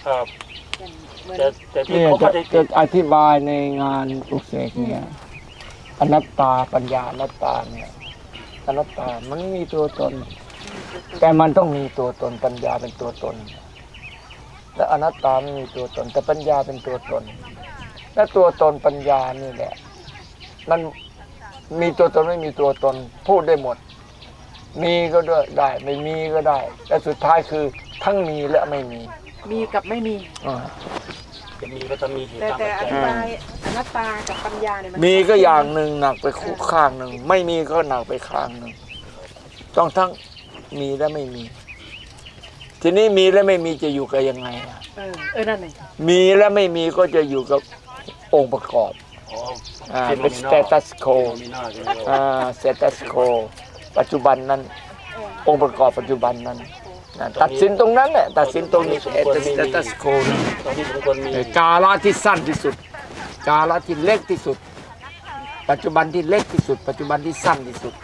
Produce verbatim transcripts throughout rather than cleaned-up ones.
ครับเหมือนแต่แต่ที่เนี่ยเขาจะไม่ได้จะอธิบายในงานปลุกเสกเนี่ยอนัตตาปัญญาอนัตตาเนี่ยอนัตตามันไม่มีตัวตน แต่มันต้องมีตัวตนปัญญาเป็นตัวตนและอนัตตาไม่มีตัวตน แต่ปัญญาเป็นตัวตน และตัวตนปัญญานี่แหละมันมีตัวตนไม่มีตัวตนพูดได้หมด มีก็ได้ไม่มีก็ได้แต่สุดท้ายคือทั้งมีและไม่มีมีกับไม่มีอ่าจะมีก็จะมีเหตุแต่ตามแต่อปัจธิจัยบายอนัตตากับปัญญาเนี่ยมันมีก็อย่างหนึ่งหนักไปคู่ข้างหนึ่งไม่มีก็หนักไปข้างหนึ่งต้องทั้งมีและไม่มี ทีนี้มีและไม่มีจะอยู่กับยังไงอ่ะเออเออนั่นเองมีและไม่มีก็จะอยู่กับองค์ประกอบอ๋ออ่าเป็น status quo มีหน้าใช่ไหมอ่า status quo ปัจจุบันนั้นองค์ประกอบปัจจุบันนั้นนะตัดสินตรงนั้นแหละตัดสินตรงนี้ status quo นะตอนนี้ผมควรมีกาลที่สั้นที่สุด กาลที่เล็กที่สุด ปัจจุบันที่เล็กที่สุด ปัจจุบันที่สั้นที่สุด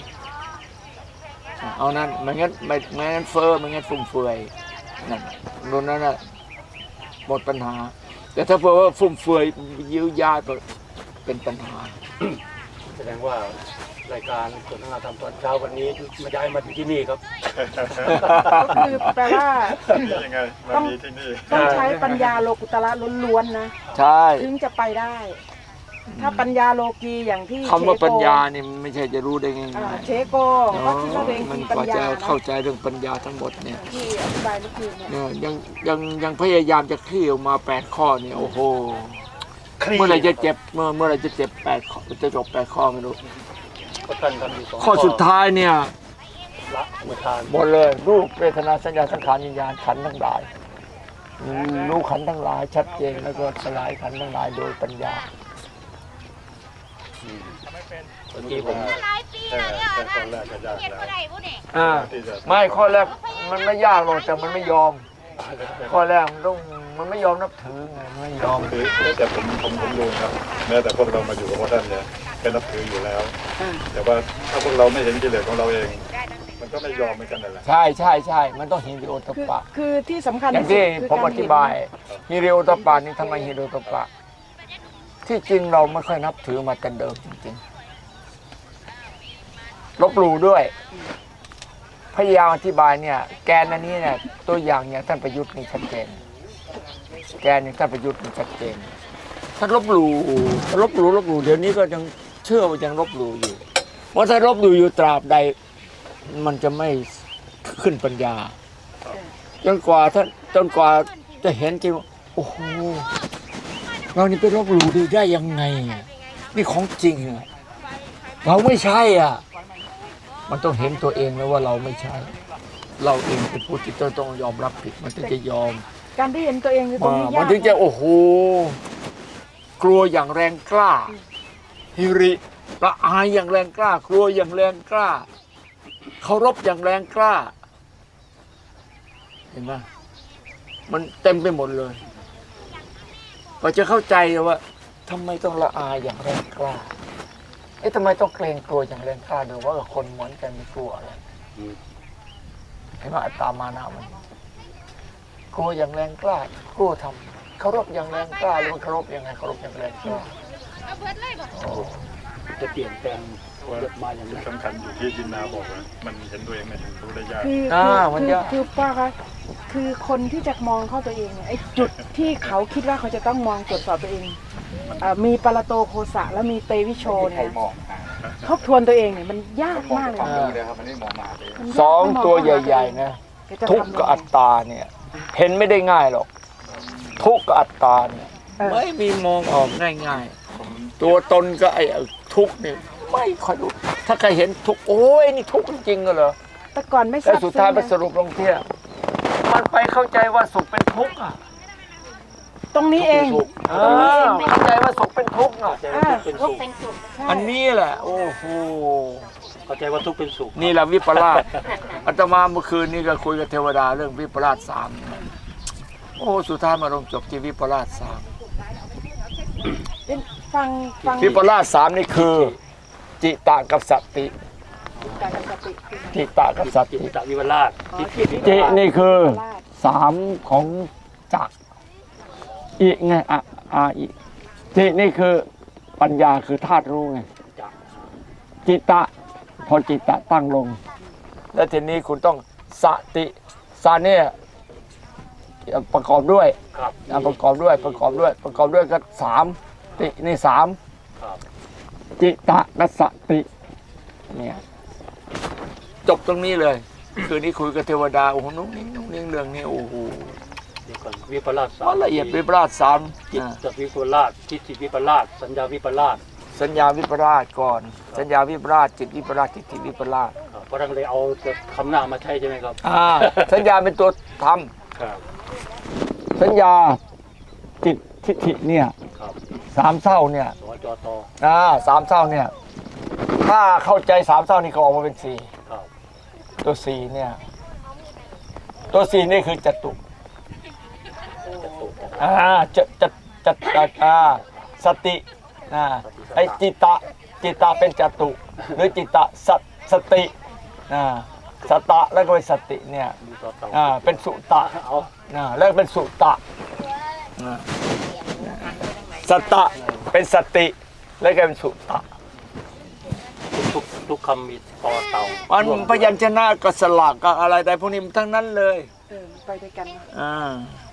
เอานั้นไม่งั้นไม่ไม่งั้นเฟ้อไม่งั้นฟุ่มเฟือยนั่นนู่นนั่นน่ะหมดปัญหา แต่ถ้าเผื่อว่าฟุ่มเฟือยยื้อยาดเป็นปัญหาแสดงว่ารายการสนทนาธรรมตอนเช้าวันนี้มาย้ายมาอยู่ที่นี่ครับก็คือแปลว่ายังไงมามีที่นี่ต้องใช้ปัญญาโลกุตระล้วนๆนะใช่ถึงจะไปได้ ถ้าปัญญาโลกีอย่างที่คำว่าเชโกปัญญานี่มันไม่ใช่จะรู้ได้ง่าอ่าย เชโกๆก็คิดว่าตัวเองมันมีกปัญว่าญาจะนะเข้าใจเรื่องปัญญาทั้งหมดเนี่ยที่อธิบายเมื่อคืนเนี่ยเนี่ยยังยังยังพยายามจะคลี่ออกมาแปดข้อเนี่ยโอ้โหเมื่อไหรจะเจ็บเมื่อเมื่อไหรจะเจ็บแปดข้อจะจบแปดข้อไม่รู้ก็ท่านทำอยู่สองข้อสุดท้ายเนี่ยละเมื่อทานหมดเลยรูปเวทนาสัญญาสังขารวิญญาณขันธ์ทั้งหลายอืมรู้ขันธ์ทั้งหลายชัดเจนแล้วก็สลายขันธ์ทั้งหลายโดยปัญญาเมื่อกี้ผมหลายปีแล้วเนี่ยนะเฮ็ดบ่ได้บ่เนี่ยอ่าไม่ข้อแรกมันไม่ยากหรอกแต่มันไม่ยอม ข้อแรกมันต้องมันไม่ยอมนับถือไงมันไม่ยอมคือแต่ผมผมผมดูครับแม้แต่พวกเรามาอยู่กับพระท่านเนี่ยเป็นนับถืออยู่แล้วอ่าแต่ว่าถ้าพวกเราไม่เห็นกิเลสของเราเอง มันก็ไม่ยอมเหมือนกันนั่นแหละใช่ใช่ใช่มันต้องฮิริโอตคือปะคือที่สำคัญอย่างที่ที่สุดคือผมกอรธิบายฮิริโอตปะนี่ทำไมฮิริโอตปะที่จริงเราไม่ค่อยนับถือมาแต่เดิมจริงๆลบหลู่ด้วยพยายามอธิบายเนี่ย แกนอันนี้เนี่ยตัวอย่างอย่างท่านประยุทธ์นี่ชัดเจนแกนอย่างท่านประยุทธ์นี่ชัดเจนท่านลบหลู่ลบหลู่ลบหลู่เดี๋ยวนี้ก็ยังเชื่อว่ายังลบหลู่อยู่ว่าถ้าลบหลู่อยู่ตราบใดมันจะไม่ขึ้นปัญญาจนกว่าท่านจนกว่าจะเห็นจริงว่าโอ้โหเรานี่ไปลบหลู่ดีได้ยังไงอ่ะนี่ของจริงอ่ะเราไม่ใช่อ่ะมันต้องเห็นตัวเองแล้วว่าเราไม่ใช่ เราเองเป็นผู้ที่ต้องยอมรับผิดมันถึงจะยอมการที่เห็นตัวเองคือตรงนี้มัยาน กถึงจะโอ้โหกลัวอย่างแรงกล้าฮิริละอายอย่างแรงกล้ากลัวอย่างแรงกล้าเคารพอย่างแรงกล้า เห็นไหมมันเต็มไปหมดเลยก็จะเข้าใจว่าทำไมต้องละอายอย่างแรงกล้าเอ๊ะทำไมต้องเกรงกลัวอย่างแรงกล้าดูว่าคนเหมือนกันไม่กลัวอะไรเห็นไหมอัตตามานะมันกลัวอย่างแรงกล้ากลัวทำเคารพอย่างแรงกล้าหรือมันเคารพยังไงเคารพอย่างแรงกล้าเอาเบิดเลยบ่โอ้จะเปลี่ยนแปลงมาอย่างนี้สำคัญอยู่ที่จินนาบอกว่ามันเห็นตัวเองไม่เห็นรู้ได้ยากคืออ่าคือมันคือยากคือป้าคะคือคนที่จะมองเข้าตัวเองเนี่ยไอ้จุดที่เขาคิดว่าเขาจะต้องมองตรวจสอบตัวเองอ่ามีปรโตโคสะและมีเตวิโชเนี่ยนะทบทวนตัวเองเนี่ยมันยากมากเลยนะมันยากสองมตัวเข้าาใหญ่ๆนะแกจะทุกข์ทำกับอัตตาเนี่ย เห็นไม่ได้ง่ายหรอก ทุกข์กับอัตตาเนี่ยเออไม่มีมองออกง่ายๆตัวตนก็ไอ้ทุกข์เนี่ยไม่ค่อยรู้ถ้าใครเห็นทุกข์โอ้ยนี่ทุกข์จริงๆเหรอแต่ก่อนไม่ทแต่ราบสุดท้ายไปซึ้งสรุปลงที่มันไปเข้าใจว่าสุขเป็นทุกข์อ่ะตรงนี้เองเออเข้าใจว่าสุขเป็นทุกข์อ่ะอ่าเป็นทุกสุขเป็นสุขใช่อันนี้แหละ โอ้โหเข้าใจว่าทุกข์เป็นสุขนี่แหละวิปลาสอาตมาเมื่อคืนนี้ก็คุยกับเทวดาเรื่องวิปลาสสามโอ้สุดท้ายมาลงจบที่วิปลาสสามเป็นฟังฟังวิปลาสสามนี่คือ จิตะกับสัตติการสติคือจิตะกับสัตจิติตตวิวราชอ๋อที่จิตจินี่คือสามของจะอีไงอ่ะอ่ะอีจินี่คือปัญญาคือธาตุรู้ไงจิตะพอจิตะตั้งลง แล้วทีนี้คุณต้องสติสาเนี่ยประกอบด้วยครับอ่ะประกอบด้วยประกอบด้วย ประกอบด้วยก็สามตินี่สามครับจิตะกับสติเนี่ยจบตรงนี้เลย คืนนี้คุยกับเทวดาโอ้โหนุ่งนิ่งนุ่งนิ่งเรื่องนี้โอ้โหเดี๋ยวก่อนวิปลาสสาอ๋อมละเอียดวิปลาสสามจิตอ่าตวิปลาสจิตติวิปลาสสัญญาวิปลาสสัญญาวิปลาสก่อน สัญญาวิปลาสจิตวิปลาสจิตติวิปลาสครับเพราะท่านเลยเอาคำหน้ามาใช้ใช่ไหมครับอ่าสัญญาเป็นตัวทครับำสัญญาจิตทิฏฐิเนี่ยครับสามเศร้าเนี่ยสจตอ่าสามเศร้าเนี่ยถ้าเข้าใจสามเศร้านี่ก็ออกมาเป็นสี่ครับตัวสี่เนี่ยตัวสี่นี่คือจตุจตุอ่าจะจะจะอ่าสติอ่าไอจิตตะจิตตะเป็นจตุ หรือจิตตะสสติอ่าสตะแล้วก็เป็นสติเนี่ยมีต่อเต่าอ่าเป็นสุตะเอาอ่าแล้วเป็นสุตะอ่าสตะเป็นสติแล้วก็เป็นสุตะทุกทุกคำมีต่อเต่ามันร่วพยัญชนะกับสลักกับอะไรแต่พวกนี้มันทั้งนั้นเลยเออไปด้วยกันนะอ่า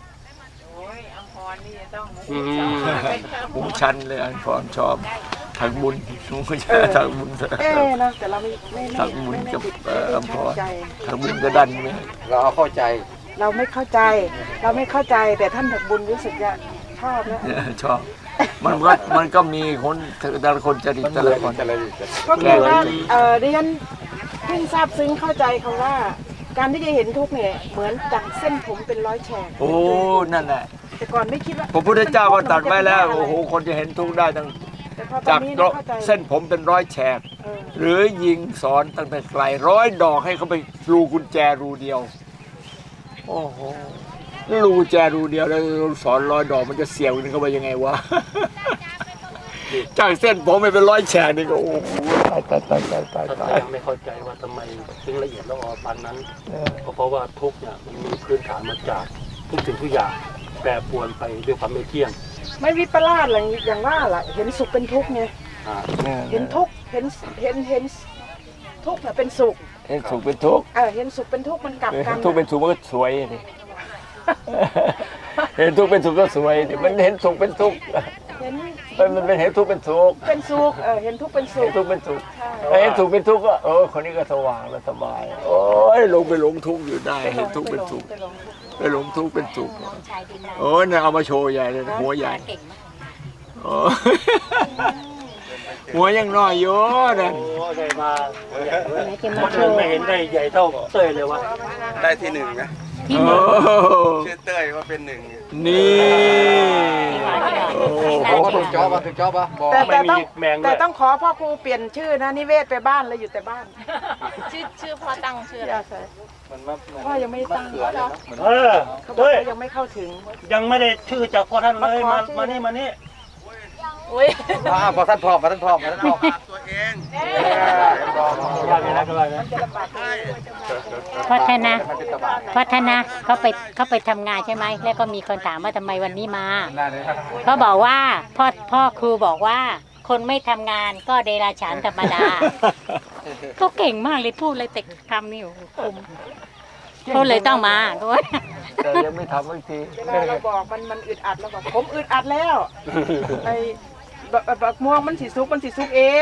อืมหูชันเลยอันพรชอบทางบุญหูชันทางบุญเอ๊ะนะแต่เราไม่ไม่ไม่ทางบุญไม่ได้กับติดเอ่ไม่อได้อัมพเข้าร ใจทางบุญก็ดันไหมเราเอาเข้าใจเราไม่เข้าใจ เราไม่เข้าใจแต่ท่านถักบุญรู้สึกจะชอบนะชอบ มันก็มันก็มีคนแต่ละคนจริตแต่ละคนก็คือว่าเออดิฉันเพิ่งทราบซึ้งเข้าใจคำว่า การที่จะเห็นทุกข์เนี่ยเหมือนดั่งเส้นผมเป็นร้อยแฉกโอ้นั่นแหละแต่ก่อนไม่คิดว่าพระพุทธเจ้าก็ตรัสไว้แล้วโอ้โหคนจะเห็นทุกข์ได้ตั้งแต่พอตอจาน กนี้เนี่ยเข้าใจเส้นผมเป็นร้อยแฉกเออหรือยิงสอนตั้งแต่ไกลร้อยดอกให้เขาไปรูกุญแจรูเดียว โอ้โหรูกุญแจรูเดียวแล้วสอนร้อยดอกมันจะเสียวกันเข้าไปยังไงวะ จากเส้นผมไปเป็นร้อยแฉกนี่ก็โอ้โหตายตายตายตายตายถ้าตายยังไม่เข้าใจว่าทำไมถึงละเอียดละออปานนั้นเออก็เพราะว่าทุกข์เนี่ยมันมีพื้นฐานมาจากทุกสิ่งทุกอย่างแปรปรวนไปด้วยความไม่เที่ยงไม่วิปลาสอะไรอย่างว่าล่ะเห็นสุขเป็นทุกข์ไงอ่าเห็นทุกข์เห็นเห็นเห็นทุกข์เนี่ยเป็นสุขเห็นสุขเป็นทุกข์เออเห็นสุขเป็นทุกข์มันกลับเห็กันนทุกข์เป็นสุขมันก็สวยดิ เห็นทุกข์เป็นสุขก็สวยดิมันเห็นสุขเป็นทุกข์เห็นมันมันเป็นเห็นทุกข์เป็นสุขเป็นสุขเออเห็นทุกข์เป็นสุเห็ขนทุกข์เป็นสุขใช่ถ้าเห็นสุขเป็นทุกข์ก็เออคนนี้ก็สว่างแล้วสบาย โอ้ยลงไปหลงทุกข์อยู่ได้เห็นทุกข์เป็นสุขไปลงทุกข์ไปหลงทุกข์เป็นสุขโอ้ยเนี่ยเอามาโชว์ใหญ่เลยนะหัวใหญ่โอ้ยหัวยังน้อยอยู่นั่นโอ้ได้มาคนอื่นไม่เห็นได้ใหญ่เท่าเต้ยเลยวะได้ที่หนึ่งนะโอ้ชื่อเต้ยว่าเป็นหนึ่งนี่โอ้โหถูกจอบป่ะถูกจอบป่ะบอกแต่ไม่แต่มีต้องแมงด้แต่วยต้องขอพ่อครูเปลี่ยนชื่อนะนิเวศไปบ้านเลยอยู่แต่บ้านชื่อชื่อพ่อตั้งชื่ออะไรอย่าใส่มันมาเหมือนพ่อยังไม่ได้ตั้งเขือเลยเนาะเออเขาบอกเต้ยเขายังไม่เข้าถึงยังไม่ได้ชื่อจากพ่อท่านเลยมามาขอชื่อมานี่มานี่อุ้ยอ่าพอท่านพร้อมพอท่านพร้อมพอท่านพร้อมตัวเองยากเลยนะก็เลยนะเพราะท่านนะเพราะท่านนะเขาไปเขาไปทำงานใช่ไหมแล้วก็มีคนถามว่าทำไมวันนี้มาเขาบอกว่าพ่อพ่อครูบอกว่า คนไม่ทำงานก็เดรัจฉานธรรมดา ก็เก่งมากเลยพูดเลยแต่คำนี่โอ้โหคมเขาเลยต้องมาด้วยแต่ยังไม่ทำอีกทีเวลาเราบอกมันมันอึดอัดแล้วบอกผมอึดอัดแล้วไอ้บักบักม่วงมันสีซุกมันสีซุกเอง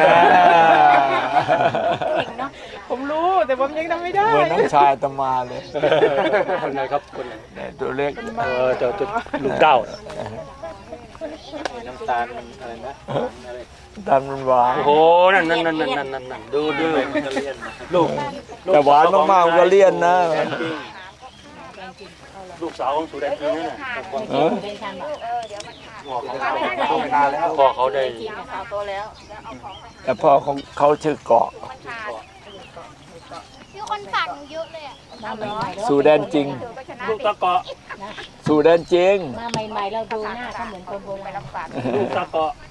เก่งเนาะผมรู้แต่ผมยังทำไม่ได้เหมือนน้องชายตมาเลยคนไหนครับคนไหนเนี่ยตัวเล็กเออเจะจะลูกเต้าน้ำตาลมันอะไรนะอะไรดันมันหวานโอ้โหนั่นนั่นนั่นนั่นนั่นนั่นนั่นดูดูลูกแต่หวานมากๆมันก็เลี่ยนนะลูกสาวของสุแดนจริงนั่นน่ะเออเป็นทำแบบโตไปนานแล้วพ่อเขาได้แต่พ่อของเขาชื่อเกาะมีคนฝากหนูเยอะเลยอ่ะมาใหม่ๆแล้วสู่แดนจริงลูกตะเกาะสู่แดนจริงมาใหม่ๆเราดูหน้าเขาเหมือนคนโบราณลูกตะเกาะ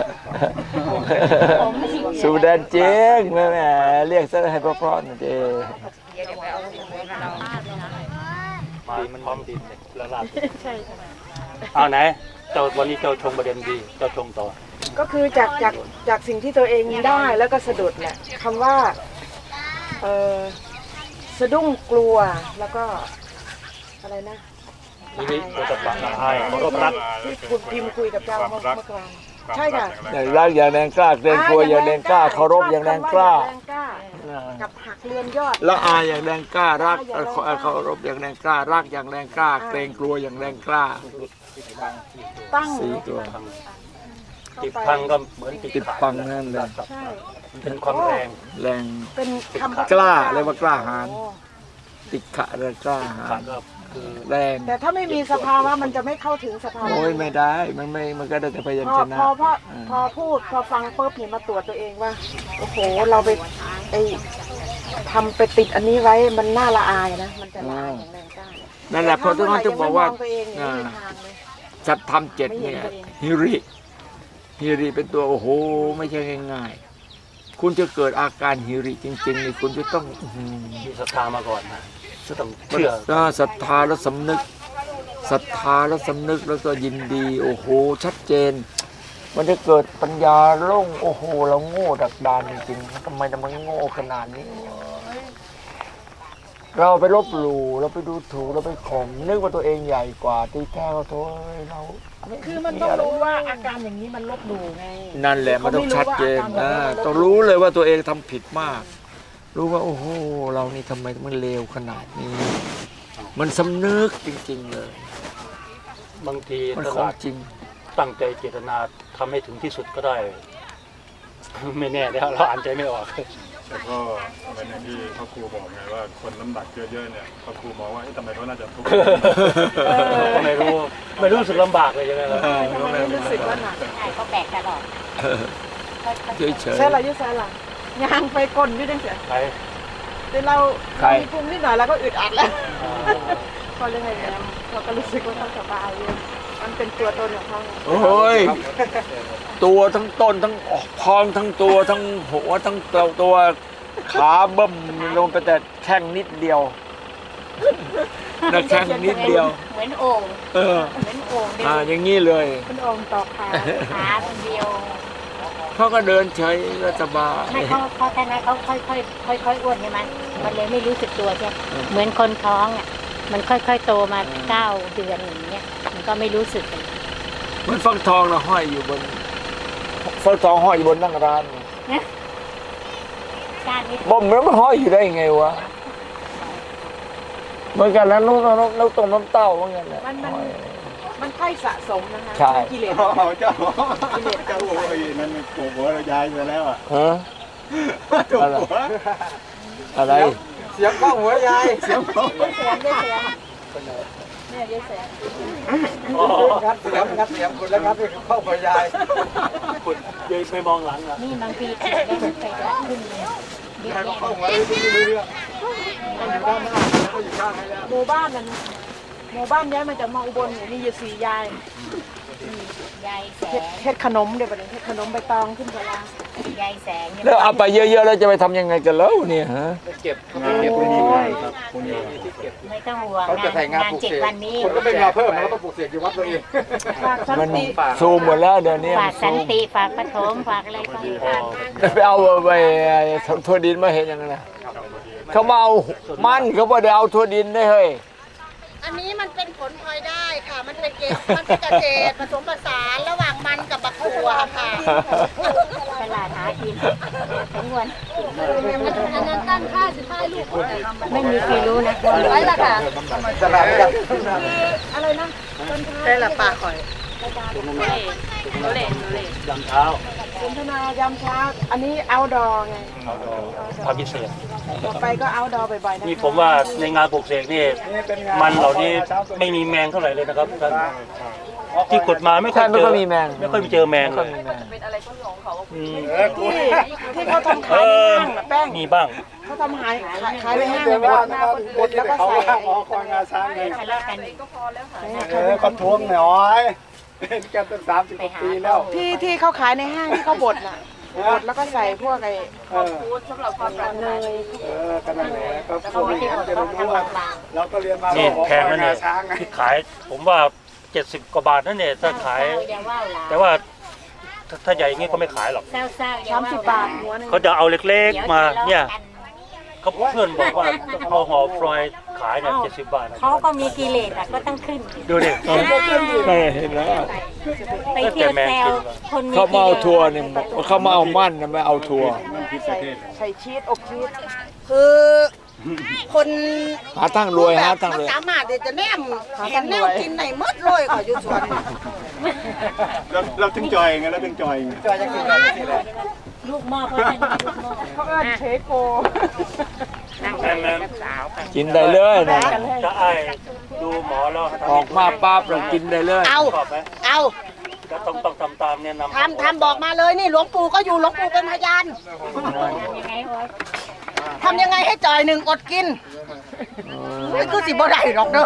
ผมไม่สิสู่แดนจริงแม่แม่เรียกซะให้เพราะๆหน่อยดิมาดีมันพร้อมดินเนี่ยแล้วลาบใช่ใช่เอาไหนเจ้าวันนี้เจ้าชงประเด็นดีเจ้าชงต่อก็คือจากจากจากสิ่งที่ตัวเองได้แล้วก็สะดุดแหละคำว่าเออสะดุ้งกลัวแล้วก็อะไรนะนี่นี่ตัวตะปังละอายเคารพรักที่คุณพิมพ์คุยกับเจ้าเมื่อเมื่อกลางใช่ค่ะอย่างรักอย่างแรงกล้าเกรงกลัวอย่างแรงกล้าเคารพอย่างแรงกล้าแรงกล้ากับหักเรือนยอดละอายอย่างแรงกล้ารักเอ่อเอ่อเคารพอย่างแรงกล้ารักอย่างแรงกล้า เกรงกลัวอย่างแรงกล้าตั้งสี่ตัวติดพังก็เหมือนติดพังนั่นเลยใช่เป็นความแรงแรงเป็นคำกล้าเรียกว่ากล้าหาญโอ้ติดขะแรงกล้าหาขาญดก็คือแรงแต่ถ้าไม่มีสภาวะมันจะไม่เข้าถึงสภาวะโอ้ยไม่ได้ มันไม่ มันก็ได้แต่พยัญพอชนะพอพออ่าพอพูดพอฟังปุ๊บเนี่ยมาตรวจตัวเองว่าโอ้โหเราไปไอทำไปติดอันนี้ไว้มันน่าละอายนะมันจะละอายอย่างแรงกล้านั่นแหละเพราะทุกคนจะบอกว่าถ้เมื่ไหร่ยังไม่มองตัวเองเนี่ยอ่าไม่มีทางเลยสัตธรรมเจ็ดเนี่ยฮิริฮิริเป็นตัวโอ้โหไม่ใช่ง่ายๆคุณจะเกิดอาการฮิริจริงๆนี่คุณจะต้องอื้อหือมีศรัทธามาก่อนนะจะต้องเชื่ออ่าศรัทธาแล้วสำนึกศรัทธาแล้วสำนึกแล้วก็ยินดี โอ้โหชัดเจน มันจะเกิดปัญญาโล่งโอ้โหเราโง่ดักดานจริงๆทำไมทำไมโง่ขนาดนี้ เราไปลบหลู่เราไปดูถูกเราไปข่มนึกว่าตัวเองใหญ่กว่าตีแท้เราโถ่เราคือมันต้องรู้ว่าอาการอย่างนี้มันลบหลู่ไงนั่นแหละมันต้องชัดเจนนะต้องรู้เลยว่าตัวเองทำผิดมาก รู้ว่าโอ้โหเรานี่ทำไมมันเลวขนาดนี้ มันสำนึกจริง ๆ เลยบางทีมันตของลาดจริงตั้งใจเจตนาทำให้ถึงที่สุดก็ได้ ไม่แน่แล้วเราอ่านใจไม่ออกแต่ก็เหมือนอย่างที่พ่อครูบอกไงว่าคนน้ำหนักเยอะๆเนี่ยพ่อครูมองว่าเอ๊ะทำไมเขาน่าจะทุกข์ก็ไม่รู้ไม่รู้สึกลำบากเลยใช่ไหมล่ะทำไมไม่รู้สึกว่าหนักใช่เขาแบกตลอดเฉยใช่หรอยุใช่หรอยางไปก้นอยุ่จังเสียใครแต่เราเรามีภูมินิดหน่อยเราก็อึดอัดแล้วพอเรื่องอะไรเนี่ยเราก็รู้สึกว่าเขาสบายเลยมันเป็นตัวตนของเขาๆโอ้ยตัวทั้งต้นทั้งพองทั้งตัวทั้งหัวทั้งตัวตัวขาเบิ่มลงไปแต่แข้งนิดเดียวนะแข้งนิดเดียวเหมือนโอ่งเออเหมือนโอ่งเดียวอ่าอย่างนี้เลยเป็นองค์ต่อขาขาคนเดียวเขาก็เดินเฉยก็สบายไม่เขาเขาแค่นั้นเขาค่อยค่อยค่อยค่อยๆอ้วนใช่ไหมมันเลยไม่รู้สึกตัวใช่ไหมเหมือนคนท้องอ่ะมันค่อยๆโตมาเก้าเดือนอย่างเงี้ยมันก็ไม่รู้สึกเลยเหมันฟักทองนะห้อยอยู่บนฟักทองห้อยอยู่บนนั่งร้านนี่ก้านนี้บ่มแล้วมันห้อยอยู่ได้ยังไงวะเหมือนกันนะลูกน้องลูกตรงน้ำเต้าเหมือนกันแหละมันมันมันค่อยสะสมนะคะใช่กิเลสเจ้าเจ้าโอ้ยนั่นมันปลูกหัวเราย้ายไปแล้วอ่ะฮะถูกอะไรหัวอะไรเสียงกล้องหัวยายเสียงผมเสียงได้เสียงเนี่ยยายแสงงัดเสียงงัดเสียงคุณแล้วงัดไปเข้าหัวยายคุณยืนไปมองหลังอ่ะนี่บางทีขีดได้มันไปได้ขึ้นเลยเยอะใครก็แยะเข้าหัวเลยไม่รู้เรื่องมันอยู่ด้านหน้าแล้วก็อยู่ข้างให้แล้วหมู่บ้านนั้นหมู่บ้านย้ายมาจากมาอุบลเนี่ยมีอยู่สี่ยายยายแสเฮ็ดงเฮ็ดขนมเดี๋ยวประเดี๋ยวเฮ็ดขนมใบตองขึ้นกะลายายแสงเนี่ยแล้วเอาไปเยอะๆแล้วจะไปทำยังไงกันแล้วเนี่ยฮะเก็บงานเก็บพวกไว้นี้นี่ไงไงครับพวกนี้ไม่ต้องห่วงเขาจะใส่งานงานปลูกเจ็ดเสกวันนี้คนก็ไม่มาเพิ่มแล้วก็ต้องปลูกเสกอยู่วัดตัวเองฝากสันมันติซูมหมดแล้วเดี๋ยวนี้ฝากสันติฝากปฐมฝากอะไรก็ฝากไปเอาไปทั่วดินมาเห็นยังไงนะเขามาเอามันเขาบอกเดี๋ยวเอาทั่วดินได้เฮ้ยอันนี้มันเป็นผลพลอยได้ค่ะ มันเป็นเกษตรมันเป็นเกษตรผสมผสานระหว่างมันกับบักถั่วค่ะตลาดหากินทั้งวันอันนั้นตั้งค่าสิบห้าลูกไม่มีใครรู้นะไว้ละค่ะตลาดกันอะไรนะใช่ละปากข่อยยามเช้าสนทนายามเช้า อันนี้เอาดอไงความพิเศษต่อไปก็เอาดอบ่อยๆนะคะนี่ผมว่าในงานปลูกเสกนี่มันเหล่านี้ไม่มีแมงเท่าไหร่เลยนะครับท่านที่กดมาไม่ค่อยใช่ไม่เจค่ออยมีแมงไม่ค่อยเจอแมงไม่เลค่อยยมีแมงอืมที่ที่เขาทำเอขายในอห้างน่ะแป้งมีบ้างเขาทำขายขายขายในห้างเดี๋ยวบว่าดนะบดแล้วก็ใส่อ๋อคอยงาช้างไงทะเลาะกันเออเขาทวงหน่อยเป็นกันตั้งสามสิบกว่าปีแล้วที่ที่เขาขายในห้างที่เขาบดน่ะบดแล้วก็ใส่พวกไอ้เออสำหรับความรักเนยเออกันนั่นแหละก็พวกนี้จะได้รู้ว่าเราก็เรียนมานี่ว่าแพงนะเนี่ยช้างไงที่ขายผมว่าเจ็ดสิบกว่าบาทนั่นเนี่ยถ้าขาย แต่ว่าถ้าถ้าใหญ่อย่างงี้ก็ไม่ขายหรอกเศร้าๆอย่สามว่สิบบาทหัวหนึงเขาจะเอาเล็กดี๋วๆมาทะเลาะเนี่ยกันเขาเพื่อนบอกว่าเอาห่อฟรอยล์ขายเนี่ยเจ็ดสิบบาทนะเขาก็มีกิเลสอ่ะก็ต้องขึ้นดูดิใช่เห็นแล้วไปเที่ยวแซวคนมีเขากิมาเลเอาสทัวร์เนี่ยเขามาเอามั่นนะไม่เอาทัวร์ใส่ใส่ชีสอบชีสคือคนหาทางรวยหาทางมันรวยสามารถที่จะแนมเห็นแนวกินในมดเลยขออยู่สวนเราเราถึงจอยไงเราถึงจอยไงจอยจะกินอะไรนี่แหละลูกหม้อเพราะฉันมีลูกหม้อเขาเอิ้นเชโกแม่แม่กินได้เลยนะจะไอ้ดูหมอแล้วออกมาปั๊บเรากินได้เลยเอาชอบไหมเอาก็ต้องต้องทำตามเนี่ยนำทำทำบอกมาเลยนี่หลวงปู่ก็อยู่หลวงปู่เป็นพยานยังไงวะทำยังไงให้จ่อยหนึ่งอดกินไม่คือสิบ่ได้หรอกเด้อ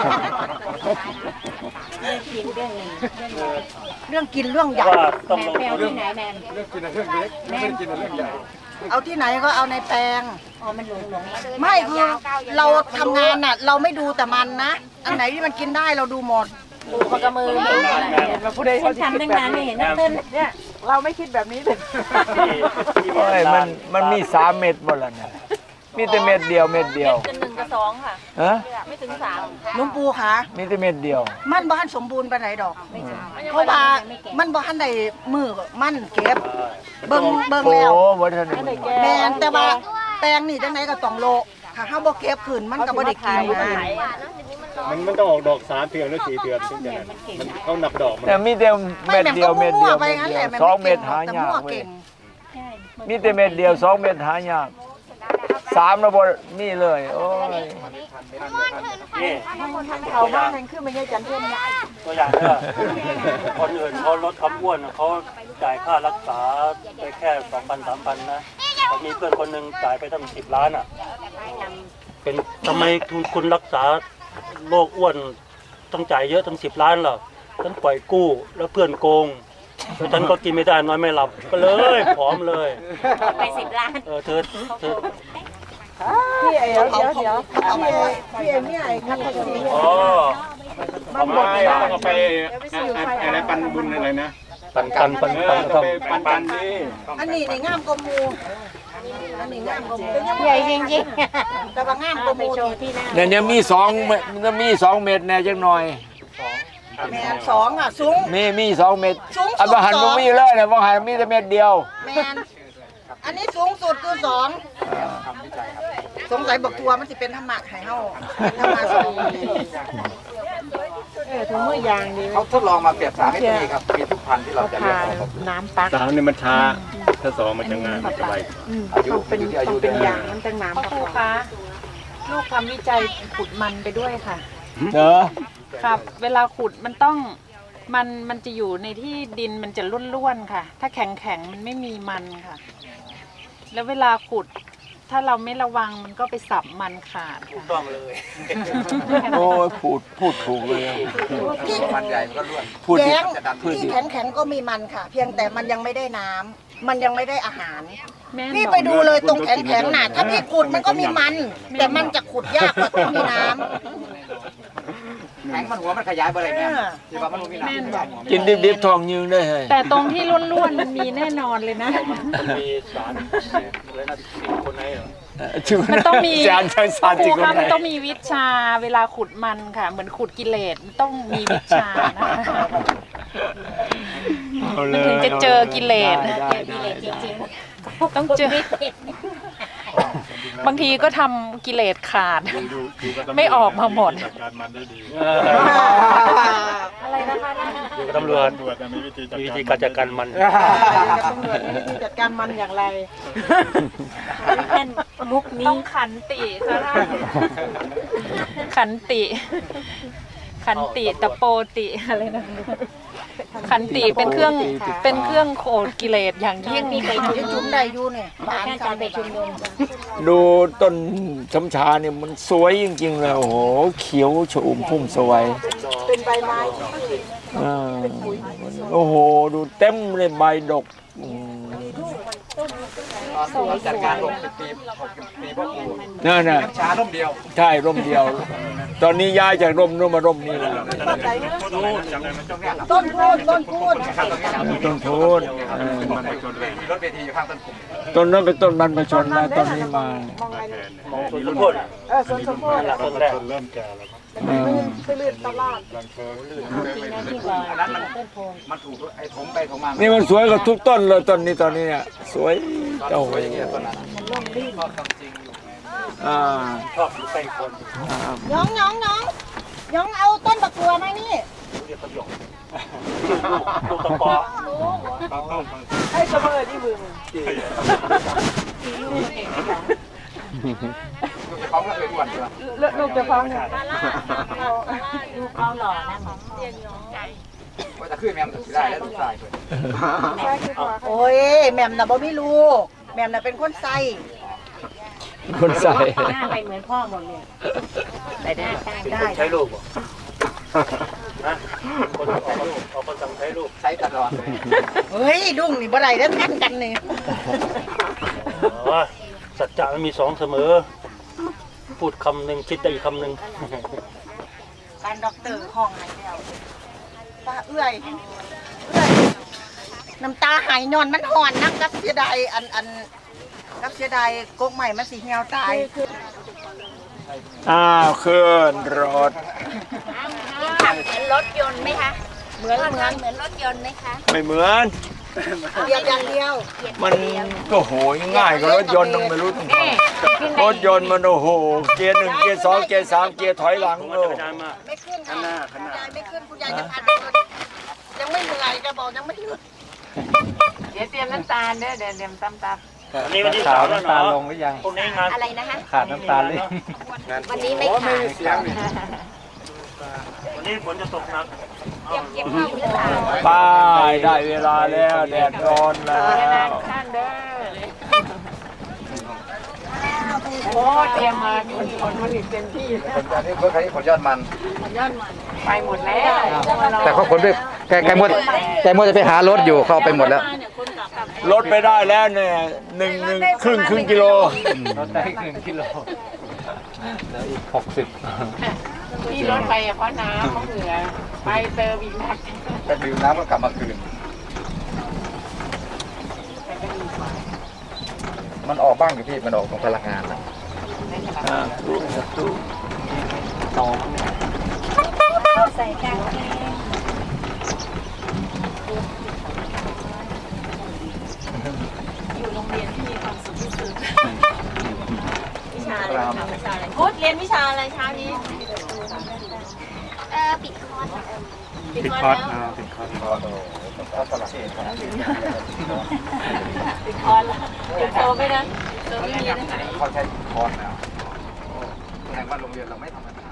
กินเรื่องหนึ่งเรื่องกินเรื่องใหญ่ว่าต้องแมลนงแปลทุนที่ไหนแมนเรื่องกินเรื่องเล็กไม่ได้กินเรื่องใหญ่เอาที่ไหนก็เอาในแปลงอ๋อมันหลงหลงไม่คือเราทำงานน่ะ เราไม่ดูแต่มันนะ อันไหนที่มันกินได้เราดูหมดปูปากกระมือมาเห็นมาผู้ใดฉัเขานจะคิทำดตั้งแบบนานไม่นี้เห็นนะเต้นเนี่ยเราไม่คิดแบบนี้เลยที่ที่โอ้ยมันมันมีสามเม็ดหมดแล้วเนี่ยมีแต่เม็ดเดียวเม็ดเดียวเป็นหนึ่งกับสองค่ะฮะไม่ถึงสามหลุงปู่คะมีแต่เม็ดเดียวมันบ้านสมบูรณ์ไปไหนดอก เพราะว่ามันบ้านในมือมันเก็บ เบิ่งเบิ่งโอ้แล้ววัฒนธรรมแมนแต่ว่าแตงนี่จังไหนก็ต้องโลถ้าเฮาบ่เก็บขึ้นมันก็บ่ได้กินนะมันมันต้องออกดอกสามเดือนหรือสี่เดือนถึงจะนั้นมันเขานับดอกมันแต่มีแต่ไม่เม็ดแม่นเดีก็ยวเม็ดมั่เดีวยวไปเม็ดงั้นเดีแหยวละแม่สองนเม็ดบ่หาเก่งแต่ยามั่วกเว้ยเก่งมีแต่เม็ดเดียวสองเม็ดหายากสามระบบนี่เลยโอ้ยนี่เขาบ้านนั่นคือไม่ใช่จันเทียนนะตัวอย่างเนี่ยคนอื่นเขาลดความอ้วนเขาจ่ายค่ารักษาไปแค่สองพันสามพันนะแต่มีเพื่อนคนหนึ่งจ่ายไปตั้งสิบล้านอ่ะ เป็นทำไมคุณคุณรักษาโรคอ้วนต้องจ่ายเยอะตั้งสิบล้านเหรอฉันปล่อยกู้แล้วเพื่อนโกงแล้วฉันก็กินไม่ได้นอนไม่หลับก็เลยผอมเลยไปสิบล้านเออเธอเธอพี่เอ๋เดี๋ยวเดี๋ยวเดี๋ยวพี่เอ๋พี่เอ๋เนี่ยไอ้คัตซีอ๋อมันหมดไม่แล้วต้องเอาไปอะไรปันบุญอะไรนะปันปันปันเอปัอน ต้องทำไปปันปันดิอันนี้นี่งามกว่าหมู่อันนี้งามกว่าหมู่ใหญ่จริงแต่ว่างามๆกว่าหไปมู่โชว์ที่หน้าเนี่ยเนี่ยมีสองเม็ดมันมีสองเม็ดแน่จังหน่อยแม่นสองอ่ะสูงมีมีสองเม็ดสูงสุดอันบางหันสองมันมีเลยนะบางหันมีแต่เม็ดเดียวแมนอันนี้สูงสุดคือสองสงสัยบอกทัวมันสิเป็นธรรมะให้เฮาเป็นธรรมะสองเออถุงมือยางดีเขาทดลองมาเปรียบสามให้มีครับมีทุกพันธุ์ที่เราเขาจะเลืทาอกน้ำปักสามเนี่ยมันช้าถ้าสองมันจะง่ายมันจะไวอืมต้องเป็นต้องเป็นยางน้ำตั้งน้ำปักคะลูกทำวิจัยขุดมันไปด้วยค่ะเนอะครับ เวลาขุดมันต้องมันมันจะอยู่ในที่ดินมันจะร่วนๆค่ะ ถ้าแข็งแข็งๆมันไม่มีมันค่ะ แล้วเวลาขุดถ้าเราไม่ระวังมันก็ไปสับมันขาดถูกค่ะต้องเลยโอ้ยพูดพูดถูกเลยมันใหญ่มันก็ล้วนพูดดีแย้งพูดที่ดีแข็งแข็งๆก็มีมันค่ะ เพียงแต่มันยังไม่ได้น้ำมันยังไม่ได้อาหารแม่นพี่บอกไปดูเลยตรงแข็งแข็งๆน่ะถ้าพี่ขุดมันก็มีมัน แต่มันจะขุดยากกว่าที่มีน้ำแข็งมันหัวมันขยายไปเลยแม่ที่ว่ามันมีแม่นน้ำบอกกินดิบๆทองยืงได้เลยแต่ตรงที่ร่วนๆมันมีแน่นอนเลยนะมันมีสารอะไรนะสิบคนไหนเหรอมันต้องมีจานใช้สารคจริรูงคนคะไหนมันต้องมีวิชาเวลาขุดมันค่ะ เหมือนขุดกิเลสมันต้องมีวิชานะคะเอาเลมันยถึงจะเจอกิเลสได้ได้ได้จริงต้องเจอ บางทีก็ทำกิเลสขาดดูดูดูกับตำรวจไม่ออกมาหมดจัดการมันได้ดีอะไรนะคะอยู่กับตำรวจตำรวจมีวิธีจัดมีวิการธีการจัดการมันตำรวจมีวิธีจัดการมันอย่างไรๆท่านมุกต้นี้องขันติค่ะขันติ ขันติตะโปติอะไรนะขันติเป็นเครื่องเป็นเครื่องโขดกิเลสอย่างยิ่งมีไปชุมจะนุจุ่มมได้อยู่เนี่ยบ้านท่านกัจะนไปชุมนุมดูต้นช้ำชาเนี่ยมันสวยจริงๆเลยโอ้โหเขียวชอุ่มพุ่มสวยเป็นใบไม้อ่าโอ้โหดูเต็มเลยใบดกอืมตอนจัดการลงสิบปีหกสิบปีพ่อครูนั่นน่ะน้ำชาล่มเดียวใช่ร่มเดียว ตอนนี้ย้ายจากร่มนู้นมาร่มนี้แล้วต้นพูนต้นพูนต้นทูนเออมีรถเวทีอยู่ข้างต้นขุมต้นนั้นเป็นต้นบรรพชนนะต้นนี้มามองไงเนี่ยมองสุดโคตรเออสวนสมโภชหลักต้นแรกเริ่มแก่แล้วเออไปเลื่อนตลาดมันถูกไอ้ถมไปถมมานี่มันสวยกว่าทุกต้นเลยต้นนี้ตอนนี้เนี่ยสวยโอ้โหต้นนั้นชอบจริงอยู่อ่าชอบอยู่ใกล้คนน้องน้องน้องน้องเอาต้นบักตัวมานี่เรียกประโยคลูกตะกอให้เสมอที่มือลูกจะฟ้องก็เคยอ้วนใช่ไหมลูกจะฟังเนี่ยดูเขาหล่อนะว่าจะขึ้นแมมจะได้แล้วลูกชายเลยใช่คือว่าโอ้ยแหม่มน่ะบ่มีลูกแหม่มน่ะเป็นคนใส่คนใส่หน้าไปเหมือนพ่อหมดเลยแต่หน้าตาเป็นได้คนใช้ลูกบ่ฮะคนเอาเอาคนสั่งใช้ลูกใช้ตลอดเลยเฮ้ยดุ้งนี่บ่ได้แล้วทันกันนี่อ๋อสัจจะมันมีสองเสมอ พูดคำหนึ่งคิดได้อีกคำหนึ่งการด็อกเตอร์ห้องไหนแล้วป้าเอื้อยเอื้อยน้ำตาไหายนอนมันห่อนนักกับเสียดายอันอันกับเสียดายกกใหม่มันสิเหี่ยวตายอ้าวเคลื่อนรถขับเหมือนรถยนต์ไหมคะ เหมือนเหมือนเหมือนรถยนต์ไหมคะไม่เหมือนเดียวอย่างเดียวมันก็โหยง่ายกว่ารถยนต์ต้องไม่รู้ต้องทำรถยนต์มันโอ้โหเกียร์หนึ่งเกียร์สองเกียร์สามเกียร์ถอยหลังมันโอ้จะไปนานมากไม่ขึ้นค่ะข้างหน้าคุข้างณหน้ายายไม่ขึ้นคุณยายจะพันเดินยังไม่เหนื่อยจะบอกยังไม่เหนื่อยเดี๋ยวเตรียมน้ำตาลเด้อเดี๋ยวเตรียมตำตับวันนี้วันที่สามแล้วเนาะพรุ่งนี้งานอะไรนะคะขาดน้ำตาลเลยวันนี้ไม่ขาดเสียงนี่วันนี้ฝนจะตกหนักเก็บเก็บข้าวหรือเปล่าป้ายได้เวลาแล้วแดดร้อนแล้วท่านเด้อโอ้เตรียมมามีผลผลิตเต็มที่ผลยอดนี่เพื่อใครผลยอดมันไปหมดแล้วแต่เขาคนด้วยแกแกมดแกมดจะไปหารถอยู่เข้าไปหมดแล้วลดไปได้แล้วเนี่ยหนึ่งหนึ่งครึ่งครึ่งกิโลรถได้หนึ่งกิโลหกสิบที่รถไปเพราะน้ำเพราะเหงื่อไปเติมอีกนักไปดื่มน้ำก็กลับมาคืน มันออกบ้างอยู่พี่มันออกของพลังงานนะอ่าตู้ตู้ใส่กางเกง พุธเรียนวิชาอะไรเช้านี้ เออปิดคอร์สปิดคอร์สแล้วติดคอร์สก็สลับปิดคอร์สแล้วปิดโทรไม่นะเออไม่มีนะเขาใช้คอร์สแล้วแสดงว่าโรงเรียนเราไม่ธรรมดา